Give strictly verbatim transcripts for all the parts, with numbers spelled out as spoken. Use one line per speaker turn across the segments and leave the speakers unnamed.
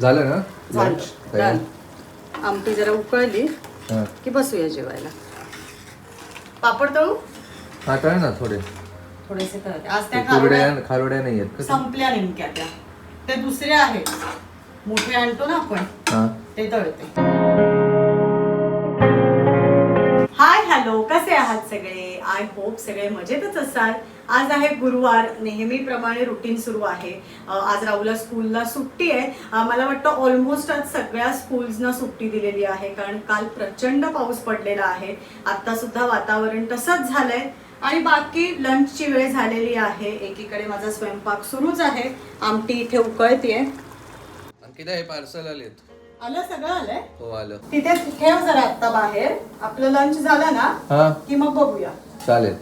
झालं ना
झालं
lunch?
डन. आमटी जरा उकळली
हा
की बसूया जेवायला. पापड तळू
हा तळ ना थोडे
थोडेसे तळते. आज त्या
खारोड्या
खारोड्या
खारोड्या नाही आहेत का?
संपल्या नेमक्या त्या. ते दुसरे आहेत मोठे आणतो ना आपण
हा
ते तळते. हाय हॅलो, कसे आहात सगळे? आय होप सगळे मजेतच असाल. आज आहे गुरुवार, नेहमीप्रमाणे रुटीन सुरू आहे. अ, आज राहुलला स्कूलला सुट्टी आहे. अ, मला वाटतं ऑलमोस्ट आज सगळ्या स्कूल्सना सुट्टी दिलेली आहे, कारण काल प्रचंड पाऊस पडलेला आहे. आता सुद्धा वातावरण तसंच झालंय आणि बाकी लंचची वेळ झालेली आहे. एकीकडे माझा स्वयंपाक सुरूच आहे. आमटी इथे उकळतीये.
अंकिता हे पार्सल आलेत.
आलं सगळं आलंय.
हो आलं.
तिथे ठेव जरा आता बाहेर. आपलं लंच झालं ना
हा
की मग बघूया.
चालेल.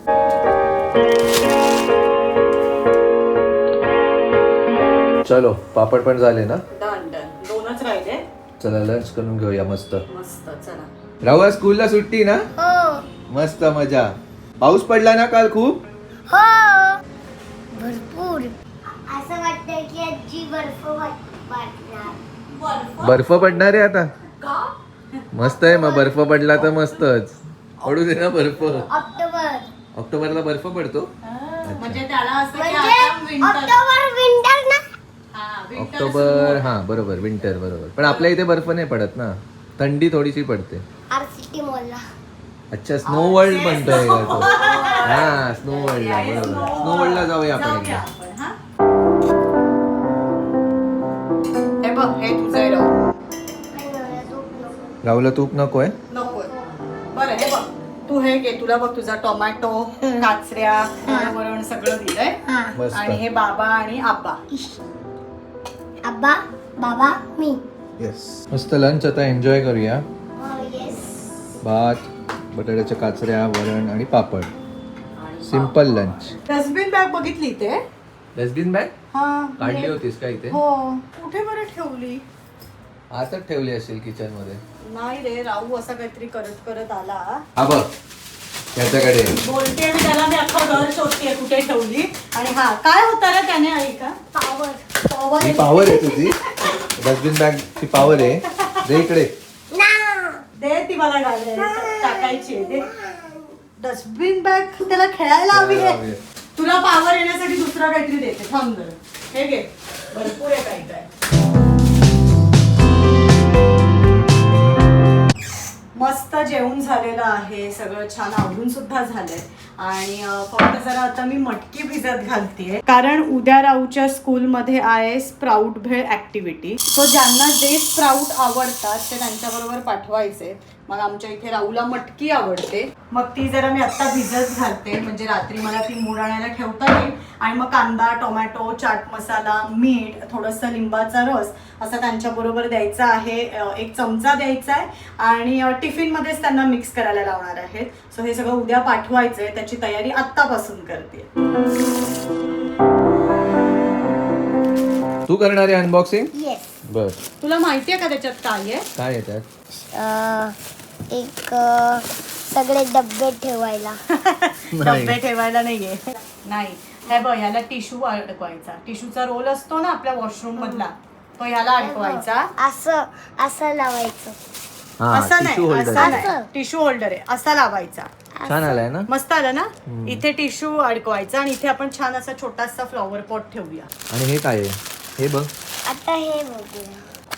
चलो पापड पण झाले ना.
डन डन दोनच राहिले.
चला लंच करून घेऊया मस्त
मस्त चला.
राहुल स्कूलला सुट्टी ना.
हो
मस्त मजा. पाऊस पडला ना काल खूप.
हो भरपूर. असं वाटतंय की आजी बर्फ वाटणार.
बर्फ पडणार आहे आता.
का?
मस्त आहे मग बर्फ पडला तर मस्तच. पडू दे ना बर्फ.
ऑक्टोबर
ऑक्टोबरला बर्फ पडतो.
म्हणजे त्याला असं की
म्हणजे
आता winter.
ऑक्टोबर विंटर ना.
हा, winter
ऑक्टोबर
सुरू.
हा बरोबर विंटर बरोबर. पण आपल्या इथे बर्फ नाही पडत ना. थंडी थोडीशी पडते.
आर सिटी मॉलला.
अच्छा स्नो वर्ल्ड म्हणतोय का तू? हा स्नो वर्ल्डला
Yes,
बरोबर.
snow
स्नो वर्ल्डला जाऊया आपण
जाऊया
एकदा.
आपण, हा? हे बघ हे तुझं आहे राहू.
राहुलला तूप नकोय.
नको बरं हे बघ तू हे घे. तुला बघ तुझा टोमॅटो काचऱ्या वरण सगळं दिलंय.
मस्त.
आणि हे बाबा आणि आब्बा.
आबा बाबा मी.
येस मस्त लंच आता एन्जॉय करूया.
येस.
भात बटाट्याच्या काचऱ्या वरण आणि पापड. Simple lunch.
डस्टबिन बॅग बघितली इथे.
डस्टबिन बॅग
हा
काढली होतीस का इथे?
हो. कुठे बरं ठेवली?
आताच ठेवली असेल किचन मध्ये.
नाही रे राहू असा काहीतरी करत करत आला.
हा बघ त्याच्याकडे.
बोलते मी त्याला मी अख्खा घर शोधते कुठे ठेवली. आणि हा काय होता रे त्याने आई का
पावर.
पॉवर
ही पॉवर आहे तुझी. डस्टबिन बॅग ची पॉवर आहे. दे इकडे.
ना.
दे ती मला गाडी टाकायची आहे. दे डस्टबिन बॅग त्याला खेळायला हवी आहे. तुला पावर येण्यासाठी दुसरा काहीतरी देते थांब जरा. हे घे भरपूर आहे काही काय. मस्त जेवण झालेलं आहे. सगळं छान आवडून सुद्धा झालंय. आणि अं, फक्त जरा आता मी मटकी भिजत घालतेय, कारण उद्या राहूच्या स्कूलमध्ये आहे स्प्राऊट भेळ ऍक्टिव्हिटी. सो ज्यांना जे स्प्राऊट आवडतात ते त्यांच्याबरोबर पाठवायचे. मग आमच्या इथे राहूला मटकी आवडते. मग ती जरा मी आता भिजत घालते, म्हणजे रात्री मला ती मूड आणायला ठेवता येईल. आणि मग कांदा टोमॅटो चाट मसाला मीठ थोडंसं लिंबाचा रस असं त्यांच्याबरोबर द्यायचा आहे. एक चमचा द्यायचा आहे आणि टिफिनमध्येच त्यांना मिक्स करायला लावणार आहेत. सो हे सगळं उद्या पाठवायचं आहे. त्याची तयारी आत्तापासून करते.
तू करणार आहे अनबॉक्सिंग?
येस.
बर.
तुला माहितीये का त्याच्यात काय आहे?
काय आहे त्यात?
एक अ, सगळे डब्बे ठेवायला.
डब्बे ठेवायला नाहीये. नाही हे बघ ह्याला टिश्यू अडकवायचा. टिश्यूचा रोल असतो ना आपल्या वॉशरूम मधला, तो ह्याला अडकवायचा.
असं असं लावायचं.
हा
असा
टिश्यू
नाही
होल्डर.
असा नाही
असं.
टिश्यू होल्डर आहे असा लावायचा.
छान आलाय ना.
मस्त आलं ना. इथे टिश्यू अडकवायचा आणि इथे आपण छान असा छोटासा फ्लॉवर पॉट ठेवूया.
आणि हे काय आहे? हे बघ
आता हे बघूया.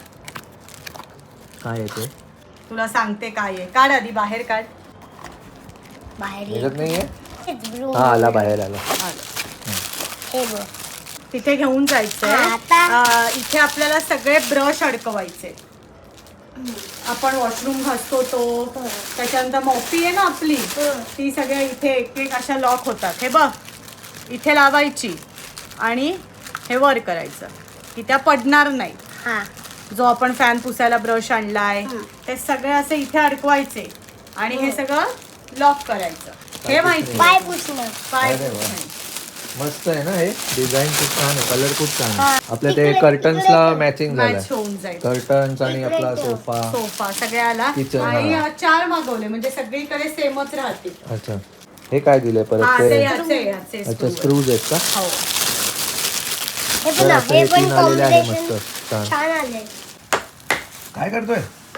काय आहे ते.
तुला सांगते काय आहे. काढ आधी बाहेर काढ.
बाहेर ये.
ह्याच्यात नाहीये.
हेच blue.
हा आला बाहेर आला.
आलं.
हे बघ.
तिथे घेऊन जायचंय.
हा, आता?
अं, इथे आपल्याला सगळे ब्रश अडकवायचे. आपण वॉशरूम घासतो तो, त्याच्यानंतर मोपी आहे ना आपली, ती सगळ्या इथे एक एक अशा लॉक होतात. हे बघ इथे लावायची आणि हे वर करायचं की त्या पडणार नाही.
हा.
जो आपण फॅन पुसायला ब्रश आणलाय ते सगळे असे इथे अडकवायचे आणि हे सगळं लॉक करायचं. हे माहिती
पाय पुसणं.
पाय
अरे वा.
पुसणे.
मस्त आहे ना हे. डिझाईन खूप छान आहे. कलर खूप छान आहे. आपल्या ते कर्टन्सला मॅचिंग झालंय.
मॅच होऊन जाईल.
कर्टन्स आणि आपला सोफा.
सोफा सगळ्याला.
Kitchen,
आणि
हा.
चार मागवले म्हणजे सगळीकडे सेमच राहतील.
अच्छा हे काय दिलंय परत
हा ते
ते?
याचे याचे
अच्छा
screw
स्क्रूज आहेत का?
आहेत. हो
हे
तर
पण
असं
हे
हे
पण
तीन आलेले आहे
कॉम्बिनेशन
मस्त छान.
छान आले.
काय करतोय?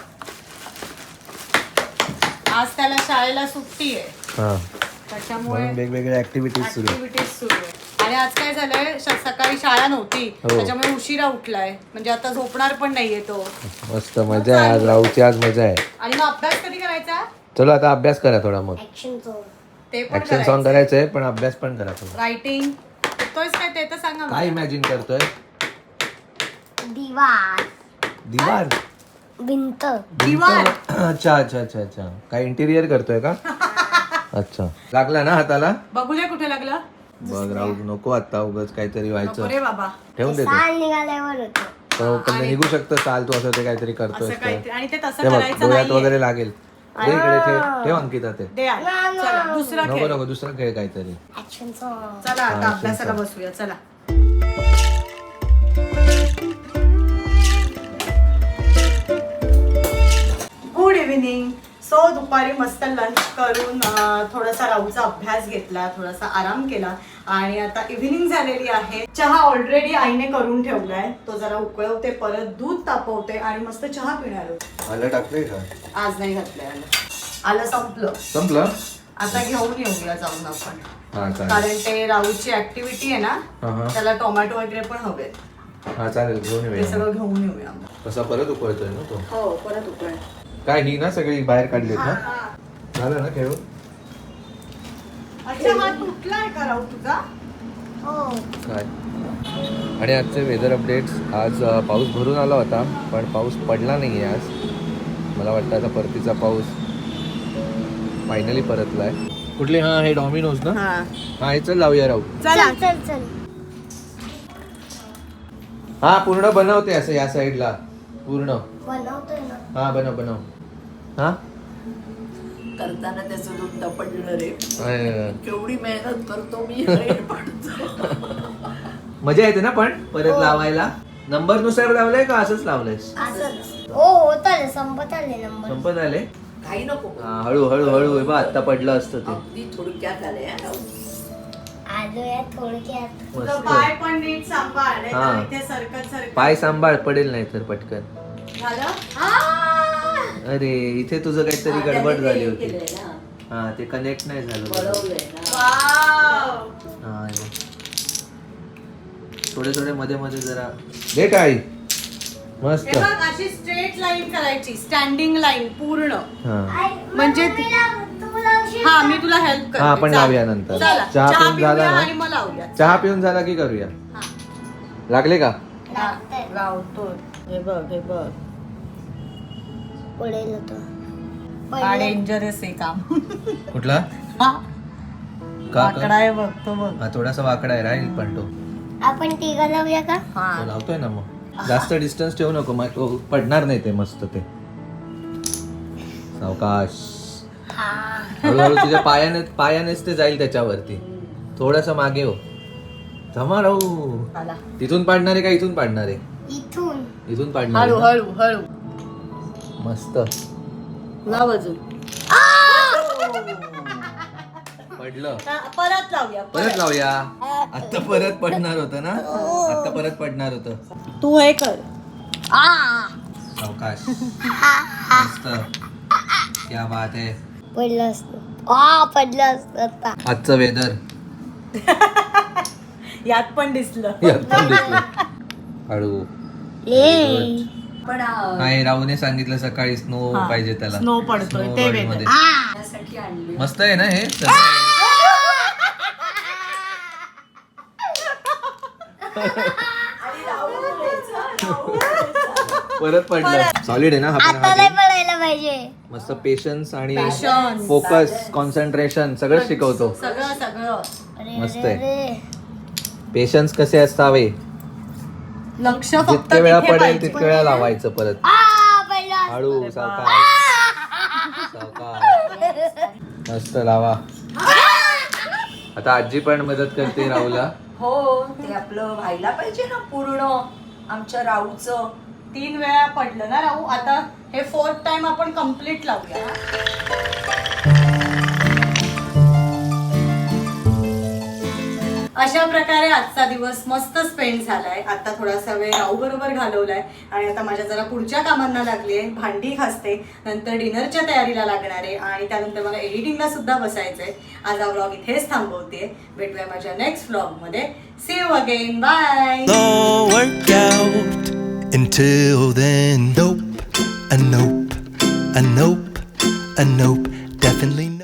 आज त्याला शाळेला सुट्टी आहे
हा
त्याच्यामुळे
म्हणून वेगवेगळ्या ऍक्टिव्हिटीज सुरू आहेत.
ऍक्टिव्हिटीज सुरू आहे. आणि आज काय झालंय श- सकाळी शाळा नव्हती
हो.
त्याच्यामुळे उशिरा उठलाय म्हणजे आता झोपणार पण नाहीये तो.
मस्त मजा आहे आज, राहूची आज मजा आहे.
आणि मग अभ्यास कधी करायचा
चलो आता अभ्यास करा थोडा मग.
Action song.
ते पण
ऍक्शन सॉन्ग करायचंय पण अभ्यास पण करा थोडा.
रायटिंग येतोयस काय ते तर सांगा मला.
काय इमॅजिन करतोय?
दिवार.
दिवार
भिंत.
दिवार.
अच्छा अच्छा अच्छा अच्छा काय इंटिरियर करतोय का? अच्छा लागला ना हाताला?
बघूया कुठे लागलं.
बघ राहू नको आता उगाच काहीतरी
नको
व्हायचं.
रे बाबा
ठेवून देतो
साल निघाल्यावर होतं.
तो पण निघू शकतं चाल तू असं ते काहीतरी करतोय
असं काहीतरी आणि ते तसं
ते बघ
करायचं
डोळ्यात
नाहीये.
वगैरे लागेल. दे इकडे ठेव ठेव अंकिता ते.
दे आज. चला दुसरा
नको
खेळ.
नको दुसरा खेळ काहीतरी.
Action song.
चला आता
हा,
अभ्यासाला
शिंचा.
बसूया चला. Good evening. सो दुपारी मस्त लंच करून अं, थोडासा राहूचा अभ्यास घेतला थोडासा आराम केला आणि आता इव्हिनिंग झालेली आहे. चहा ऑलरेडी आईने करून ठेवलाय तो जरा उकळवते परत दूध तापवते आणि मस्त चहा पिणार आहोत.
आलं टाकलंय का?
आज नाही घातलंय आलं. आलं संपलं.
संपलं?
आता घेऊन येऊया जाऊन आपण
हा चालेल.
कारण ते राहूची ऍक्टिव्हिटी आहे ना
हा हा
त्याला टोमॅटो वगैरे पण हवे
हा चालेल घेऊन
ते
येऊया.
सगळं घेऊन येऊया.
कसा परत उकळतोय ना तो?
हो परत उकळ.
काय ही ना सगळी बाहेर काढलीत ना? झालं ना खेळून?
अच्छा हा तुटलाय का राहू तुझा?
हो.
काय आणि आजचे वेदर अपडेट्स. आज अ, पाऊस भरून आला होता पण पाऊस पडला नाही आहे आज. मला वाटतं आता परतीचा पाऊस फायनली परतलाय. कुठली? हा हे डॉमिनोज ना?
हा
हा हे चल लावूया राहू.
चला
चल चल चल.
हा पूर्ण बनवते असं या साईडला पूर्ण.
बनवतोय ना.
हा बनव बनव. हा
करताना त्याचं दूध टपडलं रे.
अय,
केवढी मेहनत करतो मी हे पाडतो.
मजा येते ना पण परत लावायला. नंबर नुसार लावलंय का असंच लावलंयस?
असंच. हो होत आले संपत आले नंबर.
संपत आले.
काही नको
हा हळू हळू हळू बा आता पडलं असतं ते.
अगदी थोडक्यात आले हा.
आलो या थोडक्यात.
तुझं
मस्त.
पाय पण नीट सांभाळ नाही
हा.
तर इथे सरकत सरकत
पाय सांभाळ पडेल नाही तर पटकन.
झालं.
अरे इथे तुझं काहीतरी
हा,
गडबड
त्याने
झाली
ते
होती.
केलंय ना,
हा ते कनेक्ट नाही झालं बरोबर.
वळवलंय ना.
वाव.
हा हे बघ. थोडे थोडे मध्ये मध्ये जरा दे काय मस्त.
हे बघ अशी स्ट्रेट लाईन करायची स्टँडिंग लाईन पूर्ण.
हा
म्हणजे
मग मी लाव- तू लावशील
हा
का?
मी तुला हेल्प करते.
हा, आपण
चला.
लावूया नंतर.
चला
चहा
चहा
पिऊन झाला
पिऊया
ना?
आणि मग लावूया.
चहा पिऊन झाला की करूया.
हा.
लागले का?
लागतंय.
लावतो. हे बघ हे बघ
पडेल होतं.
हा
पडलं.
डेंजरस आहे काम.
कुठला?
हा
का
वाकडा
का?
आहे बघ तो बघ.
हा थोडासा वाकडा आहे राहील पण तो.
आपण तिघं लावूया का?
तो
हा
लावतोय ना मग. जास्त डिस्टन्स ठेवू नको मग तो पडणार नाही ते मस्त ते. सावकाश
हा.
हळूहळू तुझ्या पायाने पायानेच ते जाईल त्याच्यावरती. थोडस मागे हो. थांबा राहू.
आला.
तिथून पाडणार आहे का इथून पाडणार आहे?
इथून.
इथून पाडणार
हळू
आहे ना?
हळू हळू
मस्त
लाव अजून.
पडलं.
हा, परत लावूया
परत लावूया. आता परत पडणार होतं ना? आता परत पडणार होतं.
तू हे कर.
सावकाश. मस्त. क्या बात आहे.
पडलं असतं. आ पडलं असतं आता.
आजचं वेदर
यात पण दिसलं.
हळू.
ए.
पण आ,
नाही राहूने सांगितलं सकाळी स्नो
हा.
पाहिजे त्याला.
Snow पडतोय,
Snow
ते
world
वेगळं.
मध्ये.
त्यासाठी आणली.
मस्त आहे ना हे.
आणि राहू द्यायचं, राहू द्यायचं.
परत पडलं. सॉलिड आहे ना हा पण
आता
हा
नाही
game?
पडायला पाहिजे.
मस्त पेशन्स आणि
Patience.
फोकस कॉन्सन्ट्रेशन सगळं शिकवतो.
सगळं सगळं
अरे
मस्त
अरे,
आहे.
अरे.
पेशन्स कसे असावे.
लक्ष फक्त
जितके वेळा
तिथे
पडेल
पाहिजे.
तितके वेळा लावायचं परत.
आ पडलं असतं.
हळू सावकाश सावकाश. मस्त लावा. आता आजी पण मदत करते राहूला.
हो ते आपलं व्हायला पाहिजे ना पूर्ण आमच्या राहूचं.
तीन वेळा पडलं ना राहू. आता हे फोर्थ टाइम आपण कम्प्लीट लावूया. अशा अशा प्रकारे आजचा दिवस मस्त स्पेंड झालाय. आता थोडासा वेळ राहू बरोबर घालवलाय आणि आता माझ्या जरा पुढच्या कामांना लागली आहे. भांडी घासते, नंतर डिनरच्या तयारीला लागणार आहे आणि त्यानंतर मला एडिटिंगला सुद्धा बसायचंय. आज हा व्लॉग इथेच थांबवते. भेटूया माझ्या नेक्स्ट व्लॉग मध्ये. See you again, bye.
Workout. Until then, nope, a nope, a nope, a nope, definitely.